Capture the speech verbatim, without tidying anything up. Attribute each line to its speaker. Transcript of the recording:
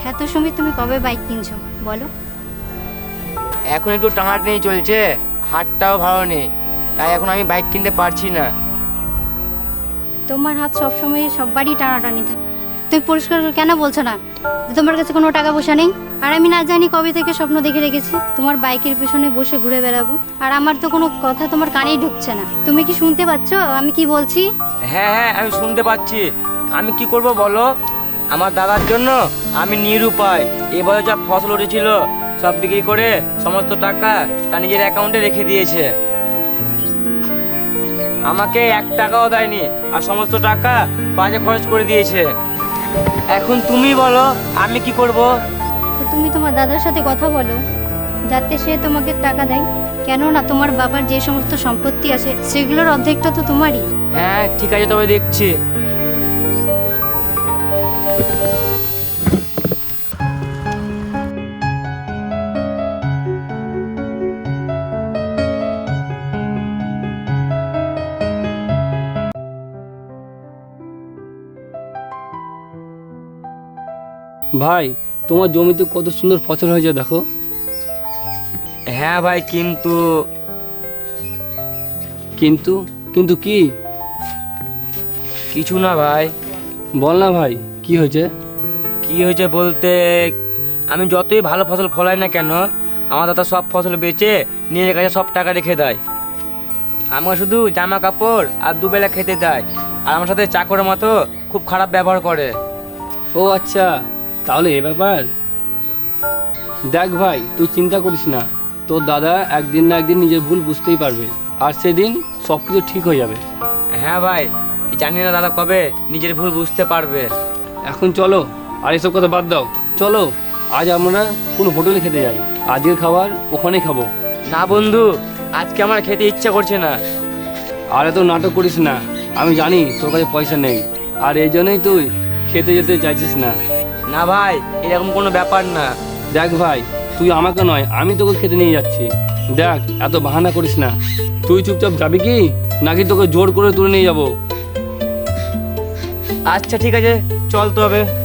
Speaker 1: হ্যাঁ তো সুমিত, তুমি কবে বাইক কিনছো বলো?
Speaker 2: এখন একটু টানাটানি চলছে, হাতটাও ভালো নেই, তাই এখন আমি বাইক কিনতে পারছি না।
Speaker 1: তোমার হাত সবসময় সববারই টানাটানি থাকে, তুমি পরিষ্কার করে কেন বলছো না যে তোমার কাছে কোনো টাকা পয়সা নেই? আর আমি না জানি কবে থেকে স্বপ্ন দেখে রেখেছি তোমার বাইকের পেছনে বসে ঘুরে বেড়াবো, আর আমার তো কোনো কথা তোমার কানেই ঢুকছে না। তুমি কি শুনতে পাচ্ছ আমি কি বলছি?
Speaker 2: হ্যাঁ হ্যাঁ আমি শুনতে পাচ্ছি। আমি কি করব বলো? আমার দাদার জন্য আমি নিরুপায়। এবারে যা ফসল উঠেছিল সব বিক্রি করে সমস্ত টাকা তার নিজের অ্যাকাউন্টে রেখে দিয়েছে। আমাকে এক টাকাও দেয়নি, আর সমস্ত টাকা বাজে খরচ করে দিয়েছে। এখন তুমি বলো আমি কি করব?
Speaker 1: তো তুমি তোমার দাদার সাথে কথা বলো যাতে সে তোমাকে টাকা দেয়, কেননা তোমার বাবার যে সমস্ত সম্পত্তি আছে সেগুলোর অর্ধেকটা তো তোমারই।
Speaker 2: হ্যাঁ ঠিক আছে, তবে দেখছি।
Speaker 3: ভাই, তোমার জমিতে কত সুন্দর ফসল হয়েছে দেখো।
Speaker 2: হ্যাঁ ভাই, কিন্তু
Speaker 3: কিন্তু কিন্তু কি?
Speaker 2: কিছু না ভাই।
Speaker 3: বল না ভাই, কি হয়েছে?
Speaker 2: কি হয়েছে বলতে, আমি যতই ভালো ফসল ফলাই না কেন আমার দাদা সব ফসল বেচে নিজের কাছে সব টাকা রেখে দেয়। আমাকে শুধু জামা কাপড় আর দুবেলা খেতে দেয়, আর আমার সাথে চাকরের মতো খুব খারাপ ব্যবহার করে।
Speaker 3: ও আচ্ছা, তাহলে এ ব্যাপার। দেখ ভাই, তুই চিন্তা করিস না, তোর দাদা একদিন না একদিন নিজের ভুল বুঝতেই পারবে, আর সেদিন সব কিছু ঠিক হয়ে যাবে।
Speaker 2: হ্যাঁ ভাই, জানি না দাদা কবে নিজের ভুল বুঝতে পারবে।
Speaker 3: এখন চলো, আর এসব কথা বাদ দাও। চলো আজ আমরা কোনো হোটেলে খেতে যাই, আজকের খাবার ওখানেই খাবো।
Speaker 2: না বন্ধু, আজকে আমার খেতে ইচ্ছা করছে না।
Speaker 3: আর এত নাটক করিস না, আমি জানি তোর কাছে পয়সা নেই, আর এই জন্যই তুই খেতে যেতে চাইছিস না।
Speaker 2: না ভাই, এরকম কোনো ব্যাপার না।
Speaker 3: দেখ ভাই, তুই আমাকে নয় আমি তোকে খেতে নিয়ে যাচ্ছি। দেখ, এত বাহানা করিস না। তুই চুপচাপ যাবি কি নাকি তোকে জোর করে তুলে নিয়ে যাবো?
Speaker 2: আচ্ছা ঠিক আছে, চল তো হবে।